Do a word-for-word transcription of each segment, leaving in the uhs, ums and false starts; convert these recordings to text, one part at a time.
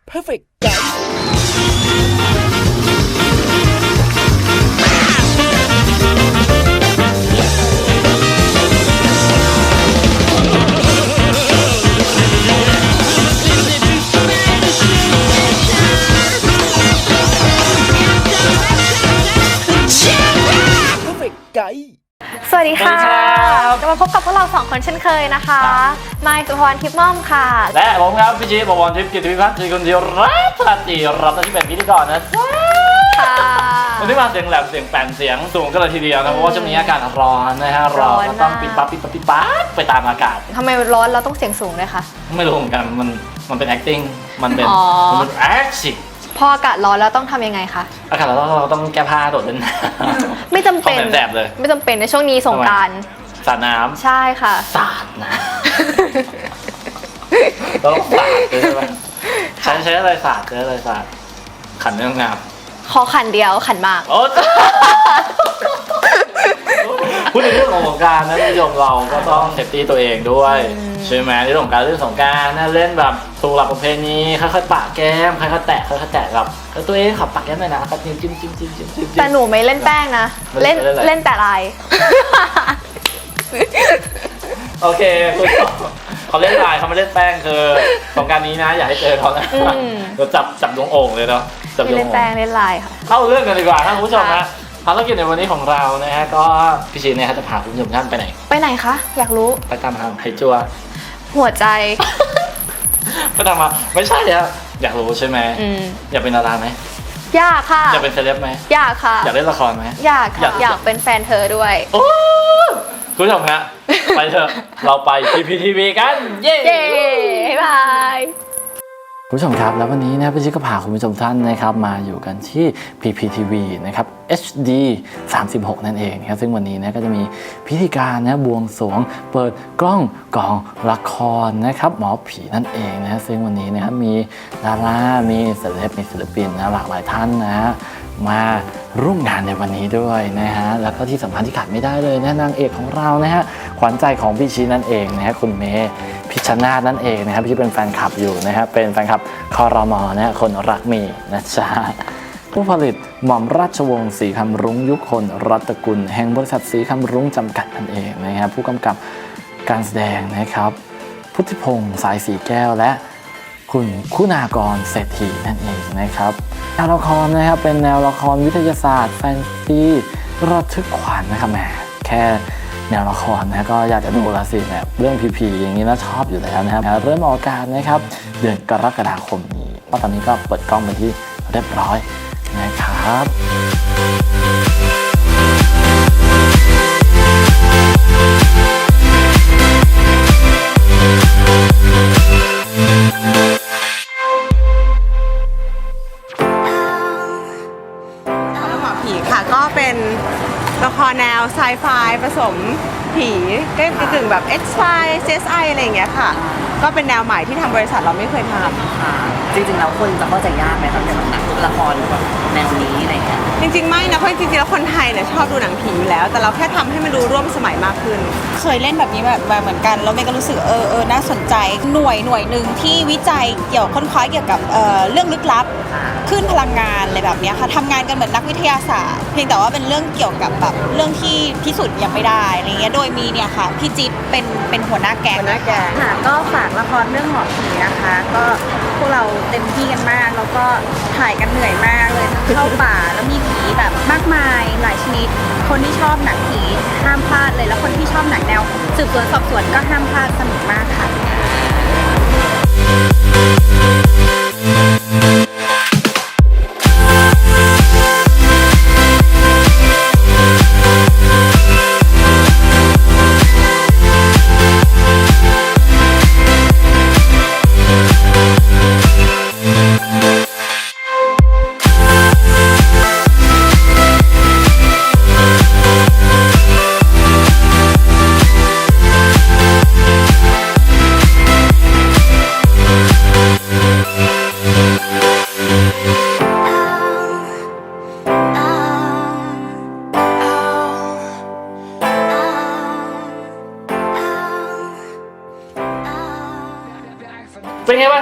Perfect Guy Perfect Guy สวัสดีค่ะจะมาพบกับพวกเราสองคนเช่นเคยนะคะไมค์สุภวรรณทิพย์ม่อมค่ะและผมครับพี่จีบวรทิพย์กิติพิพัฒน์จีคนเดียวรับทันทีรับหน้าที่เป็นพิธีกรนะจ๊ะวันนี้มาเสียงแหลมเสียงแป่นเสียงสูงกันเลยทีเดียวนะเพราะว่าจะมีอากาศร้อนนะฮะเราก็ต้องปิดปั๊บปิดปั๊บปิดปั๊บไปตามอากาศทำไมร้อนเราต้องเสียงสูงเลยคะไม่รู้เหมือนกันมันมันเป็น acting มันเป็นมันเป็น acting พออากาศร้อนแล้วต้องทำยังไงคะอากาศร้อนเราต้องแก้ผ้าโดดเล่นไม่จำเป็นแสบเลยไม่จำเป็นในช่วงนี้สงกรานต์สาดน้ำใช่ค่ะสาดน้ำต้องสาดใช่ไหมใช้ใช้อะไรสาดใช้อะไรสาดขันเรื่องงามขอขันเดียวขันมากโอ้พูดในเรื่องของสงกรานต์นะผู้ชมเราก็ต้องเซฟตี้ตัวเองด้วยใช่ไหมในเรื่องของการเล่นสงกรานต์นะเล่นแบบถูกหลักประเพณีค่อยๆปะแก้มค่อยๆแตะค่อยๆแตะกับตัวเองขับปะแก้มหน่อยนะครับจิ้มจิ้มจิ้มจิ้มจิ้มจิ้มแต่หนูไม่เล่นแป้งนะเล่นเล่นแต่ลายโอเคคุณเขาเล่นลายเขาไม่เล่นแป้งคือสงกรานต์นี้นะอย่าให้เจอเขานะเราจับจับดวงโอ่งเลยเนาะจับดวงโอ่งเล่นแป้งเล่นลายค่ะเข้าเรื่องกันดีกว่าท่านผู้ชมนะภารกิจในวันนี้ของเรานะฮะก็พี่ชีเนี่ยจะพาคุณผู้ชมท่านไปไหนไปไหนคะอยากรู้ไปตามทางไฮจัวหัวใจไปตามมาไม่ใช่ครับอยากรู้ใช่ไหมอยากเป็นดาราไหมอยากค่ะอยากเป็นเซเลบไหมอยากค่ะอยากเล่นละครไหมอยากค่ะอยากเป็นแฟนเธอด้วยโอ้คุณผู้ชมฮะไปเถอะเราไป พี พี ที วี กันเย้บ๊ายบายคุณผู้ชมครับแล้ววันนี้นะพี่ชิคก็พาคุณผู้ชมท่านนะครับมาอยู่กันที่ พี พี ที วี นะครับ เอช ดี สามสิบหกนั่นเองครับซึ่งวันนี้นะก็จะมีพิธีการนะบวงสรวงเปิดกล้องกองละครนะครับหมอผีนั่นเองนะซึ่งวันนี้นะครับมีดารามีศิลปินมีศิลปินนะหลากหลายท่านนะมาร่วมงานในวันนี้ด้วยนะฮะแล้วก็ที่สำคัญที่ขาดไม่ได้เลยนะนางเอกของเรานะฮะขวัญใจของพี่ชีนั่นเองนะฮะคุณเมย์พิชชนาธิ์นั่นเองนะครับที่เป็นแฟนคลับอยู่นะฮะเป็นแฟนคลับครม.นะฮะคนรักเมย์นะจ๊ะผู้ผลิตหม่อมราชวงศ์ศรีคำรุ้งยุคนรัตกุลแห่งบริษัทศรีคำรุ้งจำกัดนั่นเองนะครับผู้กำกับการแสดงนะครับพุทธิพงษ์สายสีแก้วและคุณคุณากรเศรษฐีนั่นเองนะครับแนวละครนะครับเป็นแนวละครวิทยาศาสตร์แฟนซีระทึกขวัญนะครับแหมแค่แนวละครนะก็อยากจะดูละสิเนี่ยเรื่องผีๆอย่างนี้นะชอบอยู่แล้วนะครับเริ่มออกอากาศนะครับเดือนกรกฎาคมนี้เพราะตอนนี้ก็เปิดกล้องเป็นที่เรียบร้อยนะครับก็เป็นละครแนวไซไฟผสมผีก็กึ่งแบบ X-Files ซี เอส ไอ อะไรอย่างเงี้ยค่ะก็เป็นแนวใหม่ที่ทางบริษัทเราไม่เคยทำค่ะจริงๆแล้วคนจะเข้าใจยากไหมครับในหนังละครแบบแนวนี้อะไรเงี้ยจริงๆไม่นะเพราะจริงๆแล้วคนไทยเนี่ยชอบดูหนังผีอยู่แล้วแต่เราแค่ทำให้มันดูร่วมสมัยมากขึ้นเคยเล่นแบบนี้แบบเหมือนกันแล้วเมย์ก็รู้สึกเออเออน่าสนใจหน่วยหน่วยหนึ่งที่วิจัยเกี่ยวค้นคว้าเกี่ยวกับเอ่อเรื่องลึกลับคลื่นพลังงานอะไรแบบนี้ค่ะทำงานกันเหมือนนักวิทยาศาสตร์เพียงแต่ว่าเป็นเรื่องเกี่ยวกับแบบเรื่องที่พิสูจน์ยังไม่ได้อะไรเงี้ยโดยมีเนี่ยค่ะพี่จิ๊บเป็นเป็นหัวหน้าแก๊งหัวหน้าแก๊งค่ะก็ฝากละครเรื่องหมอผีนะคะก็พวกเราเต็มที่กันมากแล้วก็ถ่ายกันเหนื่อยมากเลยเข้าป่าแล้วมีผีแบบมากมายหลายชนิดคนที่ชอบหนังผีห้ามพลาดเลยแล้วคนที่ชอบหนังแนวสืบสวนสอบสวนก็ห้ามพลาดสนุกมากค่ะ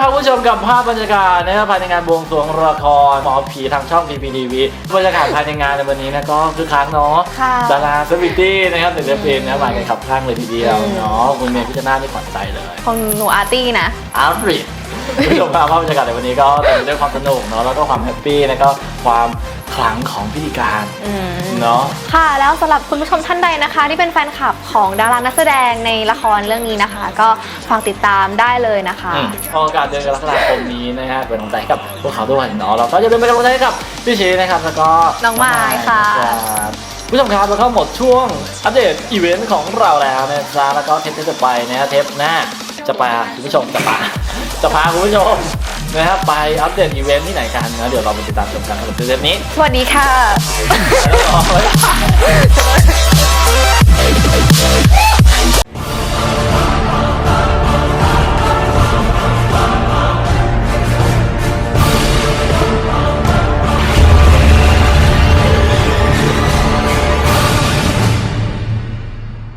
ครับคุณผู้ชมกับภาพบรรยากาศนะครับภายในงานบวงสรวงละครหมอผีทางช่อง พี พี ที วี บรรยากาศภายในงานในวันนี้นะก็คือค้างเนาะค่ะดาราเซเลบริตี้นะครับเด็กๆเพลงนะมากันขับข้างเลยทีเดียวเนาะคุณเมย์พิจารณาที่ขวัญใจเลยของหนูอาร์ตี้นะอาร์ตริดคุณผู้ชมครับภาพบรรยากาศในวันนี้ก็เต็มไปด้วยความสนุกเนาะแล้วก็ความแฮปปี้แล้วก็ความขลังของพิธีการเนาะค่ะแล้วสำหรับคุณผู้ชมท่านใดนะคะ ที่เป็นแฟนคลับของดารานักแสดงในละครเรื่องนี้นะคะ ก็ฝากติดตามได้เลยนะคะอืมโอกาสเดือนกรกฎาคมนี้นะฮะเป็นกำลังใจให้กับพวกเขาด้วยเนาะเราก็จะเป็นกำลังใจให้กับพี่ชีนะครับแล้วก็น้องมายค่ะรับผู้ชมครับแล้วก็หมดช่วงอัปเดตอีเวนต์ของเราแล้วนะจ๊ะแล้วก็เทปที่จะไปนะฮะเทปหน้าจะพาคุณผู้ชมจะพาจะพาคุณผู้ชมนะครับไปอัปเดตอีเวนต์ที่ไหนกันนะเดี๋ยวเราไปติดตามชมกันสำหรับเทปนี้สวัสดีค่ะแล้วก็